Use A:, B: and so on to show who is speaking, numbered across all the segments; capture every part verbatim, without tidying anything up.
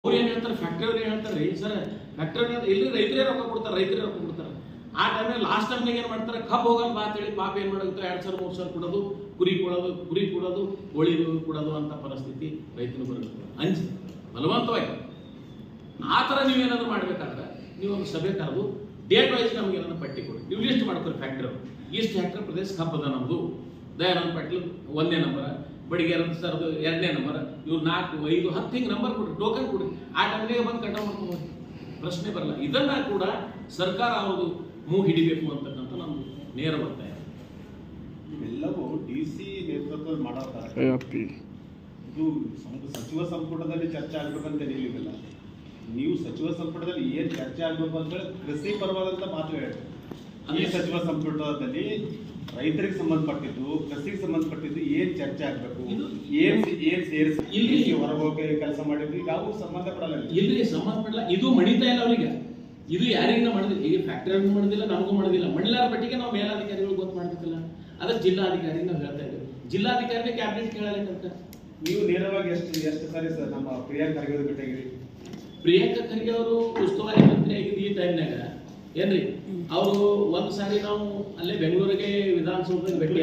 A: ಅವ್ರು ಏನು ಹೇಳ್ತಾರೆ, ಫ್ಯಾಕ್ಟ್ರಿ ಅವ್ರು ಏನು ಹೇಳ್ತಾರೆ ರೀ ಸರ್, ಫ್ಯಾಕ್ಟ್ರಿ ಇಲ್ಲಿ ರೈತರೇ ರೊಕ್ಕ ಕೊಡ್ತಾರೆ, ರೈತರೇ ರೊಕ್ಕ ಕೊಡ್ತಾರೆ. ಆ ಟೈಮ್ನಾಗ ಲಾಸ್ಟ್ ಟೈಮ್ನಾಗ ಏನು ಮಾಡ್ತಾರೆ, ಕಬ್ಬು ಹೋಗಲ್ಲ ಬಾ ಅಂತೇಳಿ ಪಾಪ ಏನು ಮಾಡೋದು, ಎರಡು ಸಾವಿರ ಮೂರು ಸಾವಿರ ಕೊಡೋದು, ಕುರಿ ಕೊಡೋದು, ಕುರಿ ಕೊಡೋದು, ಕೋಳಿ ಕೊಡೋದು ಅಂತ ಪರಿಸ್ಥಿತಿ ರೈತನು ಬರುತ್ತೆ. ಅಂಜಿ ಬಲವಂತವಾಗಿ ಆ ಥರ ನೀವೇನಾದ್ರು ಮಾಡಬೇಕಾದ್ರೆ ನೀವು ಒಂದು ಸಭೆ ಕರೆದು ಡೇಟ್ ವೈಸ್ ನಮ್ಗೆ ಏನಾದ್ರು ಪಟ್ಟಿ ಕೊಡಿ, ನೀವು ಲಿಸ್ಟ್ ಮಾಡ್ಕೊರಿ. ಫ್ಯಾಕ್ಟ್ರಿ ಈಸ್ಟ್ ಹೆಕ್ಟರ್ ಪ್ರದೇಶ ಕಬ್ಬದ ನಮ್ಮದು, ದಯಾನಂದ ಪಾಟೀಲ್ ಒಂದನೇ ನಂಬರ್, ಬಡಿಗೇರ ಸರ್ದು ಎರಡನೇ ನಂಬರ್, ಇವ್ರು ನಾಲ್ಕು ಐದು ಹತ್ತು ಹಿಂಗೆ ನಂಬರ್ ಕೊಡ್ರಿ, ಟೋಕನ್ ಕೊಡ್ರಿ. ಆ ಟೈಮ್ನಾಗ ಬಂದು ಕಟ ಮಾಡ್ಕೊಂಡು ಪ್ರಶ್ನೆ ಬರಲ್ಲ. ಇದನ್ನ ಕೂಡ ಸರ್ಕಾರ ಅವರು ಮೂಗು ಹಿಡಿಬೇಕು ಅಂತಕ್ಕಂಥ ನಮ್ದು ನೇರ ಒತ್ತಾಯ.
B: ಇವೆಲ್ಲವೂ ಡಿ ಸಿ ನೇತೃತ್ವದಲ್ಲಿ ಮಾಡೋ ಇದು ಸಚಿವ ಸಂಪುಟದಲ್ಲಿ ಚರ್ಚೆ ಆಗ್ಬೇಕಂತ ಹೇಳಿಲ್ಲ. ನೀವು ಸಚಿವ ಸಂಪುಟದಲ್ಲಿ ಏನ್ ಚರ್ಚೆ ಆಗ್ಬೇಕು ಅಂತ ಹೇಳಿ ಕೃಷಿ ಪರವಾದಂತ ಮಾತು ಹೇಳಿದ್ರು. ಈ ಸಚಿವ ಸಂಪುಟದಲ್ಲಿ ರೈತರಿಗೆ ಸಂಬಂಧಪಟ್ಟಿದ್ದು, ಕೃಷಿಗೆ ಸಂಬಂಧಪಟ್ಟಿದ್ದು ಏನ್ ಚರ್ಚೆ ಆಗ್ಬೇಕು, ಏನ್ ಏನ್ ಸೇರಿಸಿ ಇಲ್ಲಿ ಹೊರಗೋಗಿ ಕೆಲಸ ಮಾಡಿದ್ರು ಯಾವ ಸಂಬಂಧ ಪಡಲ್ಲ.
A: ಇಲ್ಲಿ ಸಂಬಂಧ ಪಡಲ್ಲ, ಇದು ಮಣಿತಾ ಇಲ್ಲ ಅವ್ರಿಗೆ. ಇದು ಯಾರಿಗೂ ಮಾಡಿದಿಲ್ಲ, ಈಗ ಫ್ಯಾಕ್ಟರಿ ಮಾಡೋದಿಲ್ಲ, ನಮಗೂ ಮಾಡೋದಿಲ್ಲ. ಮಣಿಲಾರ ಪಟ್ಟಿಗೆ ನಾವು ಮೇಲಾಧಿಕಾರಿಗಳು ಗೊತ್ತು ಮಾಡ್ಬೇಕಲ್ಲ, ಅದಕ್ಕೆ ಜಿಲ್ಲಾಧಿಕಾರಿ ನಾವು ಹೇಳ್ತಾ ಇದ್ದೇವೆ. ಜಿಲ್ಲಾಧಿಕಾರಿನೇ ಕ್ಯಾಬಿನೆಟ್ ಕೇಳಲಿಕ್ಕಂತ.
B: ನೀವು ನೇರವಾಗಿ ಎಷ್ಟು ಎಷ್ಟು ಸಾರಿ ಸರ್ ನಮ್ಮ ಪ್ರಿಯಾಂಕ್ ಖರ್ಗೆ ಭೇಟಿಯಾಗಿರಿ?
A: ಪ್ರಿಯಾಂಕ ಖರ್ಗೆ ಅವರು ಉಸ್ತುವಾರಿ ಮಂತ್ರಿ ಆಗಿದ್ದು ಈ ಟೈಮ್ನಾಗ ಏನ್ರಿ, ಅವರು ಒಂದ್ ಸಾರಿ ನಾವು ಅಲ್ಲೇ ಬೆಂಗಳೂರಿಗೆ ವಿಧಾನಸೌಧದಲ್ಲಿ ಭೇಟಿ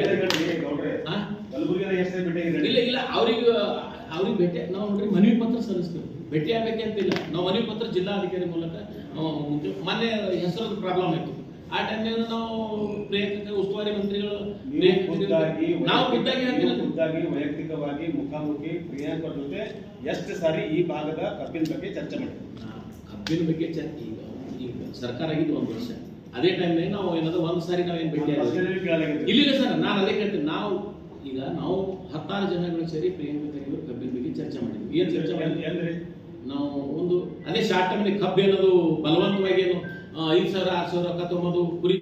A: ಇಲ್ಲ ಇಲ್ಲ ಅವ್ರಿಗೆ ಅವ್ರಿಗೆ ಭೇಟಿ ನಾವು ನೋಡ್ರಿ ಮನವಿ ಪತ್ರ ಸಲ್ಲಿಸ್ತೇವೆ. ಭೇಟಿ ಆಗ್ಬೇಕಂತಿಲ್ಲ, ನಾವು ಮನವಿ ಪತ್ರ ಜಿಲ್ಲಾಧಿಕಾರಿ ಮೂಲಕ ಮೊನ್ನೆ ಹೆಸರದ ಪ್ರಾಬ್ಲಮ್ ಆಯ್ತು. ಆ ಟೈಮ್ನಾಗ ನಾವು ಪ್ರಿಯಾಂಕ ಉಸ್ತುವಾರಿ ಮಂತ್ರಿಗಳು ನಾವು ಖುದ್ದಾಗಿ
B: ಖುದ್ದಾಗಿ ವೈಯಕ್ತಿಕವಾಗಿ ಮುಖಾಮುಖಿ ಪ್ರಿಯಾಂಕ ಜೊತೆ ಎಷ್ಟು ಸಾರಿ ಈ ಭಾಗದ ಕಬ್ಬಿನ ಬಗ್ಗೆ ಚರ್ಚೆ ಮಾಡಿದ್ವಿ.
A: ಕಬ್ಬಿನ ಬಗ್ಗೆ ಚರ್ಚೆ ಈಗ ಈಗ ಸರ್ಕಾರ ಆಗಿದ್ದು ಒಂದು ವರ್ಷ, ಅದೇ ಟೈಮ್ನಾಗ ನಾವು ಏನಾದ್ರು ಒಂದ್ ಸಾರಿ ನಾವೇನು ಭೇಟಿ ಇಲ್ಲ ಸರ್. ನಾನು ಅದೇ ಕೇಳ್ತೀನಿ, ನಾವು ಈಗ ನಾವು ಹತ್ತಾರು ಜನಗಳು ಸೇರಿ ಪ್ರಿಯಾಂಕ ಖರ್ಗೆ ಕಬ್ಬಿನ ಬಗ್ಗೆ ಚರ್ಚೆ ಮಾಡಿದ್ವಿ. ಏನ್ ಚರ್ಚೆ ಮಾಡಿದ್ವಿ ಅಂದ್ರೆ ನಾವು ಒಂದು ಅದೇ ಶಾರ್ಟ್ ಟೈಮ್ನಾಗ ಕಬ್ಬು ಏನದು ಬಲವಂತವಾಗಿ ಏನು ಐದು ಸಾವಿರ ಆರು ಸಾವಿರ ರೊಕ್ಕ ತೊಗೊಂಬದು ಕುರಿ